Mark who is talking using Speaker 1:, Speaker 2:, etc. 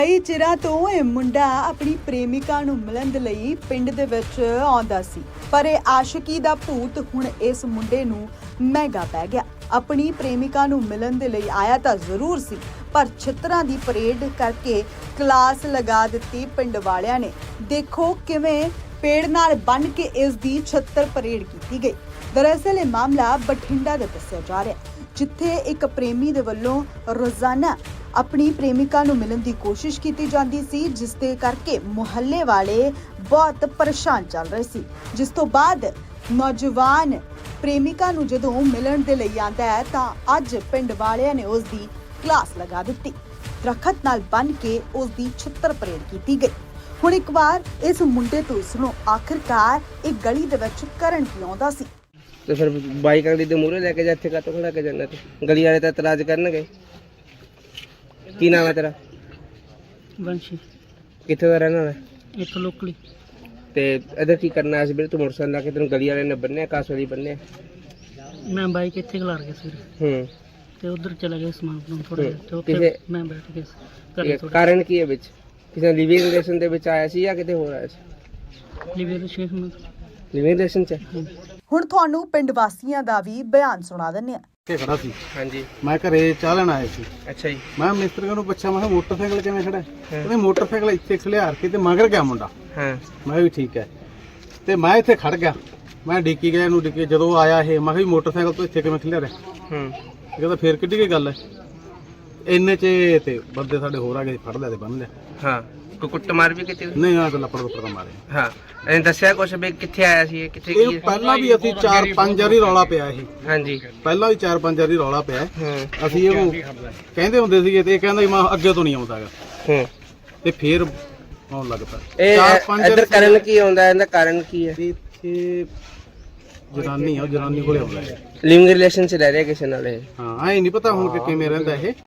Speaker 1: ਕਈ ਚਿਰਾਂ ਤੋਂ ਇਹ ਮੁੰਡਾ ਆਪਣੀ ਪ੍ਰੇਮਿਕਾ ਨੂੰ ਮਿਲਣ ਦੇ ਲਈ ਪਿੰਡ ਦੇ ਵਿੱਚ ਆਉਂਦਾ ਸੀ, ਪਰ ਇਹ ਆਸ਼ਿਕੀ ਦਾ ਭੂਤ ਹੁਣ ਇਸ ਮੁੰਡੇ ਨੂੰ ਮਹਿੰਗਾ ਪੈ ਗਿਆ। ਆਪਣੀ ਪ੍ਰੇਮਿਕਾ ਨੂੰ ਮਿਲਣ ਦੇ ਲਈ ਆਇਆ ਤਾਂ ਜ਼ਰੂਰ ਸੀ, ਪਰ ਛਿੱਤਰਾਂ ਦੀ ਪਰੇਡ ਕਰਕੇ ਕਲਾਸ ਲਗਾ ਦਿੱਤੀ ਪਿੰਡ ਵਾਲਿਆਂ ਨੇ। ਦੇਖੋ ਕਿਵੇਂ ਪੇੜ ਨਾਲ ਬੰਨ੍ਹ ਕੇ ਇਸ ਦੀ ਛਿੱਤਰ ਪਰੇਡ ਕੀਤੀ ਗਈ। ਦਰਅਸਲ ਇਹ ਮਾਮਲਾ ਬਠਿੰਡਾ ਦਾ ਦੱਸਿਆ ਜਾ ਰਿਹਾ, ਜਿੱਥੇ ਇੱਕ ਪ੍ਰੇਮੀ ਦੇ ਵੱਲੋਂ ਰੋਜ਼ਾਨਾ ਆਪਣੀ ਪ੍ਰੇਮਿਕਾ ਨੂੰ ਮਿਲਣ ਦੀ ਕੋਸ਼ਿਸ਼ ਕੀਤੀ ਜਾਂਦੀ ਸੀ, ਜਿਸ ਦੇ ਕਰਕੇ ਮੁਹੱਲੇ ਵਾਲੇ ਬਹੁਤ ਪਰੇਸ਼ਾਨ ਚੱਲ ਰਹੇ ਸੀ। ਜਿਸ ਤੋਂ ਬਾਅਦ ਨੌਜਵਾਨ ਪ੍ਰੇਮਿਕਾ ਨੂੰ ਜਦੋਂ ਮਿਲਣ ਦੇ ਲਈ ਆਂਦਾ ਹੈ ਤਾਂ ਅੱਜ ਪਿੰਡ ਵਾਲਿਆਂ ਨੇ ਉਸ ਦੀ ਕਲਾਸ ਲਗਾ ਦਿੱਤੀ। ਦਰਖਤ ਨਾਲ ਬੰਨ੍ਹ ਕੇ ਉਸ ਦੀ ਛਿੱਤਰ ਪਰੇਡ ਕੀਤੀ ਗਈ। ਹੁਣ ਇੱਕ ਵਾਰ ਇਸ ਮੁੰਡੇ ਤੋਂ ਸੁਣੋ, ਆਖਿਰਕਾਰ ਇਹ ਗਲੀ ਦੇ ਵਿੱਚ ਕਰਨ ਕੀ ਆਉਂਦਾ ਸੀ।
Speaker 2: ਤੇ ਫਿਰ ਬਾਈਕ ਅਗਲੀ ਦੇ ਮੂਹਰੇ ਲੈ ਕੇ ਜਾ, ਇੱਥੇ ਕਾਤੋਂ ਖੜਾ ਕੇ ਜਾਣਾ ਤੇ ਗਲੀ ਵਾਲੇ ਤਾਂ ਇਤਰਾਜ਼ ਕਰਨਗੇ। ਕੀ ਨਾਮ ਹੈ ਤੇਰਾ?
Speaker 3: ਵੰਸ਼ੀ,
Speaker 2: ਕਿੱਥੇ ਦਾ ਰਹਿਣ ਵਾਲਾ?
Speaker 3: ਇੱਥੋਂ ਲੋਕਲੀ।
Speaker 2: ਤੇ ਇੱਧਰ ਕੀ ਕਰਨਾ ਸੀ ਵੀਰੇ? ਤੂੰ ਮੋਟਰਸਾਈਕਲ ਲਾ ਕੇ ਤੈਨੂੰ ਗਲੀ ਵਾਲੇ ਨੇ ਬੰਨਿਆ, ਕਾਸ ਵਾਲੀ ਬੰਨਿਆ?
Speaker 3: ਮੈਂ ਬਾਈਕ ਇੱਥੇ ਖਲਾਰ ਗਿਆ ਸਵੇਰੇ ਤੇ ਉਧਰ ਚਲਾ ਗਿਆ ਸਮਾਨ ਬਣਾਉਣ ਥੋੜਾ ਜਿਹਾ, ਤੇ ਉੱਥੇ ਮੈਂ ਬੈਠ ਗਿਆ ਘਰੇ ਥੋੜਾ।
Speaker 2: ਕਾਰਨ ਕੀ ਹੈ ਵਿੱਚ? ਕਿਸੇ ਲਿਵਿੰਗ ਰਿਲੇਸ਼ਨ ਦੇ ਵਿੱਚ ਆਇਆ ਸੀ ਜਾਂ ਕਿਤੇ ਹੋਰ ਆਇਆ ਸੀ? ਲਿਵਿੰਗ ਰਿਲੇਸ਼ਨ ਚ?
Speaker 1: ਹੁਣ ਤੁਹਾਨੂੰ ਪਿੰਡ ਵਾਸੀਆਂ ਦਾ ਵੀ ਬਿਆਨ ਸੁਣਾ ਦਿੰਦੇ ਹਾਂ।
Speaker 4: ਖੜਾ ਸੀ।
Speaker 2: ਹਾਂਜੀ,
Speaker 4: ਮੈਂ ਘਰੇ ਚਾਹ ਲੈਣ ਆਇਆ ਸੀ।
Speaker 2: ਅੱਛਾ ਜੀ।
Speaker 4: ਮੈਂ ਮਿਸਤਰੀ ਨੂੰ ਪੁੱਛਿਆ, ਮੈਂ ਕਿਹਾ ਮੋਟਰਸਾਈਕਲ ਕਿਵੇਂ ਖੜਾ? ਕਹਿੰਦੇ ਮੋਟਰਸਾਈਕਲ ਇੱਥੇ ਖਲਿਆਰ ਕੇ ਤੇ ਮਗਰ ਗਿਆ ਮੁੰਡਾ।
Speaker 2: ਹਾਂ,
Speaker 4: ਮੈਂ ਵੀ ਠੀਕ ਹੈ। ਤੇ ਮੈਂ ਇੱਥੇ ਖੜ ਗਿਆ, ਮੈਂ ਡਿੱਕੀ ਗਿਆ ਇਹਨੂੰ, ਡਿੱਕੀ ਜਦੋਂ ਆਇਆ ਇਹ, ਮੈਂ ਕਿਹਾ ਵੀ ਮੋਟਰਸਾਈਕਲ ਤੋਂ ਇੱਥੇ ਕਿਵੇਂ ਖਲਿਆਰਿਆ? ਇਹ ਕਹਿੰਦਾ ਫੇਰ ਕਿੱਡੀ ਕੀ ਗੱਲ ਹੈ? ਇੰਨੇ ਚ ਤੇ ਬੰਦੇ ਸਾਡੇ ਹੋਰ ਆ ਗਏ, ਫੜ ਲਿਆ ਤੇ ਬੰਨ ਲਿਆ।
Speaker 2: ਹਾਂ, ਕੋਈ ਕੁੱਟਮਾਰ ਵੀ ਕੀਤੀ?
Speaker 4: ਨਹੀਂ, ਆ ਤਾਂ ਲੱਪੜ ਲੁੱਪੜ ਦਾ ਮਾਰੇ।
Speaker 2: ਹਾਂ, ਇਹਨੇ ਦੱਸਿਆ ਕੁਛ ਵੀ ਕਿੱਥੇ ਆਇਆ ਸੀ, ਕਿੱਥੇ
Speaker 4: ਇਹ
Speaker 2: ਕੀ?
Speaker 4: ਪਹਿਲਾਂ ਵੀ ਅਸੀਂ 4-5 ਵਾਰੀ ਰੌਲਾ ਪਿਆ ਇਹ,
Speaker 2: ਹਾਂਜੀ,
Speaker 4: ਪਹਿਲਾਂ ਵੀ 4-5 ਵਾਰੀ ਰੌਲਾ ਪਿਆ।
Speaker 2: ਹਾਂ,
Speaker 4: ਅਸੀਂ ਇਹਨੂੰ ਕਹਿੰਦੇ ਹੁੰਦੇ ਸੀਗੇ ਤੇ ਇਹ ਕਹਿੰਦਾ ਮੈਂ ਅੱਗੇ ਤੋਂ ਨਹੀਂ ਆਉਂਦਾਗਾ,
Speaker 2: ਹਾਂ।
Speaker 4: ਤੇ ਫੇਰ ਆਉਣ ਲੱਗ ਪਿਆ।
Speaker 2: ਇਹ ਇੱਧਰ ਕਰਨ ਕੀ ਆਉਂਦਾ? ਇਹਦਾ ਕਾਰਨ ਕੀ ਹੈ?
Speaker 4: ਇੱਥੇ ਜਨਾਨੀ ਆ, ਉਹ ਜਨਾਨੀ ਕੋਲੇ ਆਉਂਦਾ ਹੈ।
Speaker 2: ਲਿਵਿੰਗ ਰਿਲੇਸ਼ਨ ਚ ਰਹਿ ਰਿਹਾ ਕਿਸੇ ਨਾਲ ਇਹ?
Speaker 4: ਹਾਂ, ਐ ਨਹੀਂ ਪਤਾ ਹੁਣ ਕਿ ਕਿਵੇਂ ਰਹਿੰਦਾ ਇਹ।